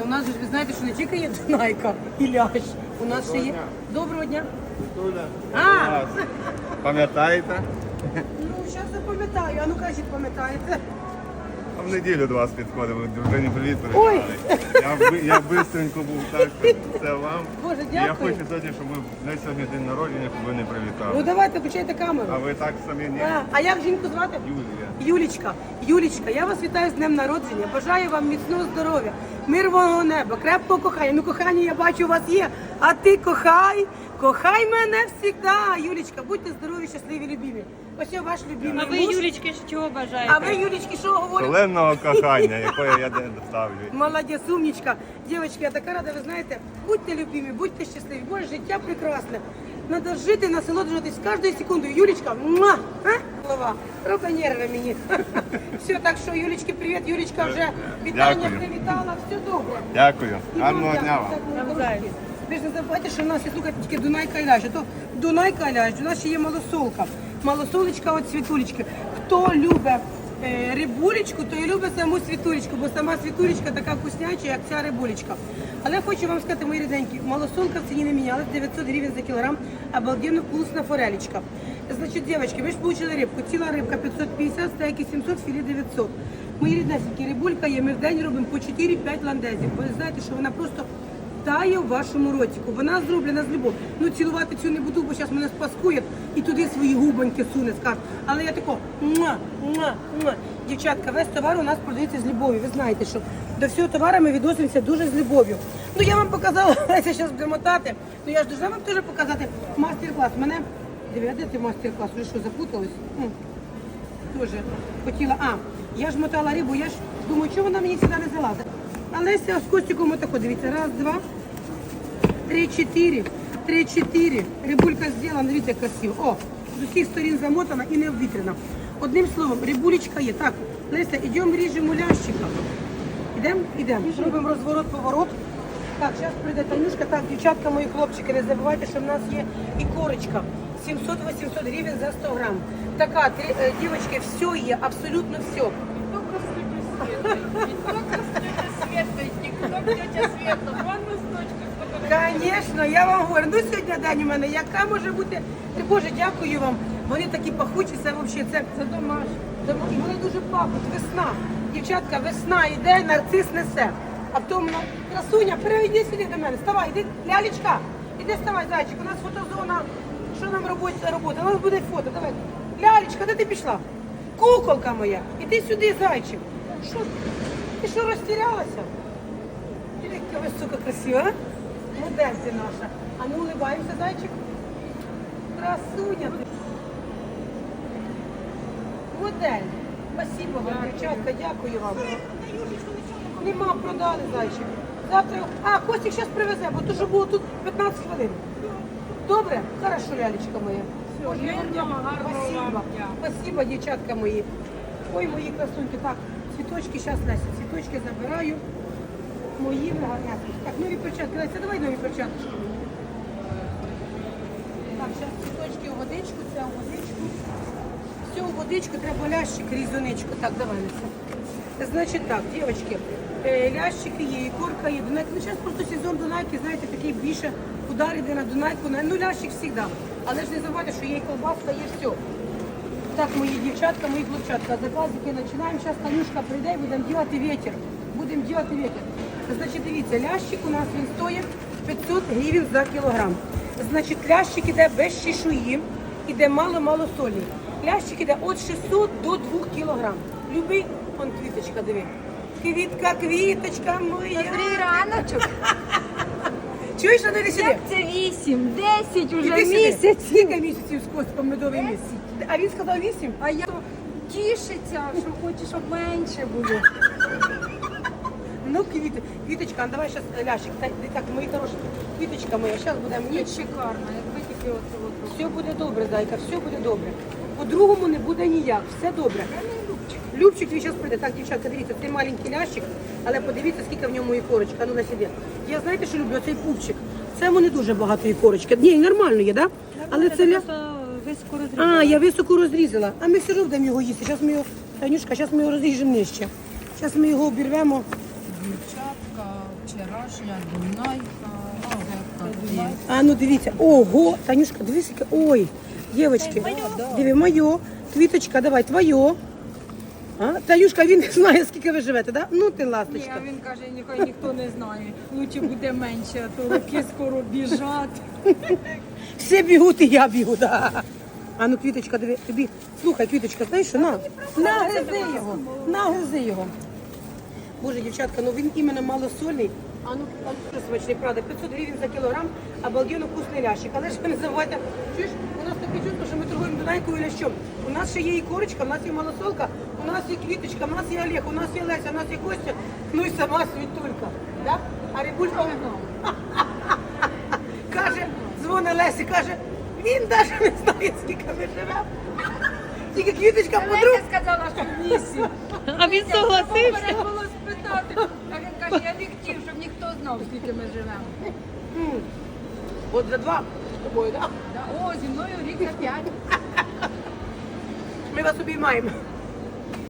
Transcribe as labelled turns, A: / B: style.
A: у нас же ж ви знаєте, що не тільки є Дунайка і лящ, у нас ще є. Доброго дня. А,
B: Пам'ятаєте?
A: ну зараз запам'ятаю, а ну кажіть, пам'ятаєте.
B: А в неділю до вас підходимо, дружині привіт
A: Ой.
B: передали. Я бистренько був так, що це вам.
A: Боже,
B: І я
A: дякую.
B: хочу сьогодні, щоб ви не сьогодні день народження, щоб ви не
A: Ну
B: привітали.
A: давайте, включайте камеру.
B: А ви так самі ні?
A: А як жінку звати?
B: Юлія.
A: Юлічка, Юлічка, я вас вітаю з днем народження. Бажаю вам міцного здоров'я, мирного неба, крепкого кохання. Ну, кохання, я бачу, у вас є. А ти кохай мене завжди. Юлічка, будьте здорові, щасливі, любімі. Ось я ваш любимий
C: А ви,
A: муж.
C: Юлічки, чого бажаєте?
A: А ви, Юлічки, що говорите?
B: Шаленого кохання, якої я не доставлю.
A: Молодець, умничка. Дівчатки, я така рада, ви знаєте, будьте любимі, будьте щасливі. Боже, життя прекрасне. Надо жити, насолоджуватись кожною секундою. Юлічка, муа! Голова, роби нерви мені. Все, так що, Юлічки, привіт. Юлічка вже вітання
B: Дякую.
A: привітала, все добре.
B: Дякую.
A: І
B: Гарного
A: вам
B: дня
A: дякую.
B: вам.
A: Так, мої хороші. Ви ж не забувайте, що в нас є, слухайте, тільки Дунайка і Ляж. А то Дунайка і Ляж, у нас ще є малосолка. Малосолочка от Світулечки. Хто любить рибулечку, то і любить саму Світулечку, бо сама Світулечка така вкусняча, як ця рибулечка. Але хочу вам сказати, мої рідненькі, малосолка в ціні не мінялась, 900 гривень за кілограм, обалденно вкусна форелечка. Значить, дівчатки, ви ж получили рибку, ціла рибка 550, стейки 700, філе 900. Мої ріднесенькі, рибулька є, ми в день робимо по 4-5 ландезів, бо ви знаєте, що вона просто тає в вашому ротику. Вона зроблена з любов. Ну, цілувати цю не буду, бо зараз мене спаскує і туди свої губоньки суне, скаже. Але я тако, муа, муа, муа. Дівчатка, весь товар у нас продається з любов'ю. Ви знаєте, що до всього товару ми відносимося дуже з любов'ю. Ну, я вам показала, я зараз буду мотати, ну я ж должна вам теж показати мастер-клас. Мене, диви, а де ти мастер-клас? Ви що, запутались? Тоже хотіла, я ж мотала рибу, я ж думаю, чого вона мені сюди не залазить. Але з Костіком отако, дивіться, раз, два, три, чотири. Рибулька зроблена, дивіться, як красиво. О, з усіх сторін замотана і не обвітрена. Одним словом, рибулечка є. Так, Леся, йдемо ріжемо лящика. Ідемо. Робимо розворот-поворот. Так, зараз прийде Танюшка. Так, дівчатка, мої хлопчики, не забувайте, що в нас є і корочка. 700-800 гривень за 100 грам. Така, дівчатки, все є, абсолютно все. Звісно, я вам говорю, ну сьогодні день у мене, яка може бути. Боже, дякую вам. Вони такі пахучі, це взагалі, це домашні. І вони дуже пахнуть, весна. Дівчатка, весна йде, нарцис несе. А потім, красуня, перейди сюди до мене, вставай, іди, лялечка, іди вставай, зайчик, у нас фотозона, що нам робота, у нас буде фото, давай. Лялечка, де ти пішла? Куколка моя, іди сюди, зайчик. Що? Ти що, розтірялася? Яка ви, сука, красива, а? Модель ти наша. А ну, улибаємося, зайчик. Красуня ти. Модель. Спасибо вам, дівчатка, дякую вам. Нема, продали, зайчик. Завтра... Костік зараз привезе, бо то, що було тут 15 хвилин. Добре? Хорошо, лялечка моя. Боже, я вам дякую. Спасибо. Спасибо, дівчатка мої. Ой, мої красуньки. Так, цвіточки, зараз, Леся, цвіточки забираю. Мої гарнятки. Так, нові перчатки. Леся, давай нові перчатки. Так, зараз цвіточки у водичку, це у водичку. Все у водичку, треба лящик, різоничку. Так, давай, Леся. Значить так, дівчатки, лящики є, і корка є. Дунайка. Ну, зараз просто сезон Дунайки, знаєте, такий більше удар іде на Дунайку. Ну, лящик завжди. Але ж не забувайте, що є і колбаска, є все. Так, мої дівчатка, мої хлопчатка, заказики починаємо. Зараз Танюшка прийде і будемо робити вітер. Будемо робити вітер. Значить, дивіться, лящик у нас він стоїть 500 гривень за кілограм. Значить, лящик іде без чешуї, іде мало-мало солі. Лящик іде від 600 до 2 кілограм. Любий, он квіточка, диви. Квітка, квіточка моя.
C: Добрий раночок.
A: Чуєш, а не сюди?
C: Як це 8, 10 уже
A: Іди сюди.
C: місяців.
A: Скільки місяців з Костиком медовий місяць? А він сказав 8?
C: А я тішиться, що хоче, щоб менше було.
A: Ну, квіточка, а давай зараз лящик. Так, мої хороші, квіточка моя, зараз будемо
C: Ні,
A: ніч.
C: шикарно, якби тільки от.
A: Все буде добре, зайка, все буде добре. По-другому не буде ніяк, все добре. Любчик твій зараз прийде. Так, дівчатка, дивіться, цей маленький лящик, але подивіться, скільки в ньому і корочка. Ну, на сіде. Я знаєте, що люблю? Оцей пупчик. Це йому не дуже багато і корочки. Ні, нормально є, так? Да? Але це ля...
C: високо розрізала.
A: Я високо розрізала. А ми все одно будемо його їсти. Зараз ми його, Танюшка, зараз ми його розріжемо нижче. Зараз ми його обірвемо.
C: Дівчатка, Вчорашня Дунайка.
A: А ну дивіться, ого, Танюшка, дивись, яке. Ой, дівчатки, диви, моє, квіточка, давай, твоє. А? Танюшка, він не знає, скільки ви живете, да? Ну ти
C: Ні,
A: ласточка.
C: а він каже, нехай ніхто не знає. Лучше буде менше, а то роки скоро біжать.
A: Всі бігуть, і я бігу, да. А ну, квіточка, диви, тобі, слухай, квіточка, знаєш що, нагризи його, нагризи його. Боже, дівчатка, ну він іменно малосольний. А ну, що смачний, правда, 500 гривень за кілограм, обалденно вкусний лящик. Але ж ви не забувайте, чуєш, у нас таке чувство, що ми торгуємо Дунайкою і лящом. У нас ще є і корочка, у нас є малосолка, у нас є квіточка, у нас є Олег, у нас є Леся, у нас є Костя, ну і сама Світулька. Да? А Рибулька каже, дзвонить Лесі, каже, він навіть не знає, скільки ми живемо. Тільки квіточка подруг.
C: Леся сказала, що в місі.
A: А він согласився.
C: Треба було спитати. А він каже, я не хотів, щоб ніхто знав, скільки ми живемо.
A: От за два з тобою, так?
C: О, зі мною рік на 5.
A: Ми вас обіймаємо.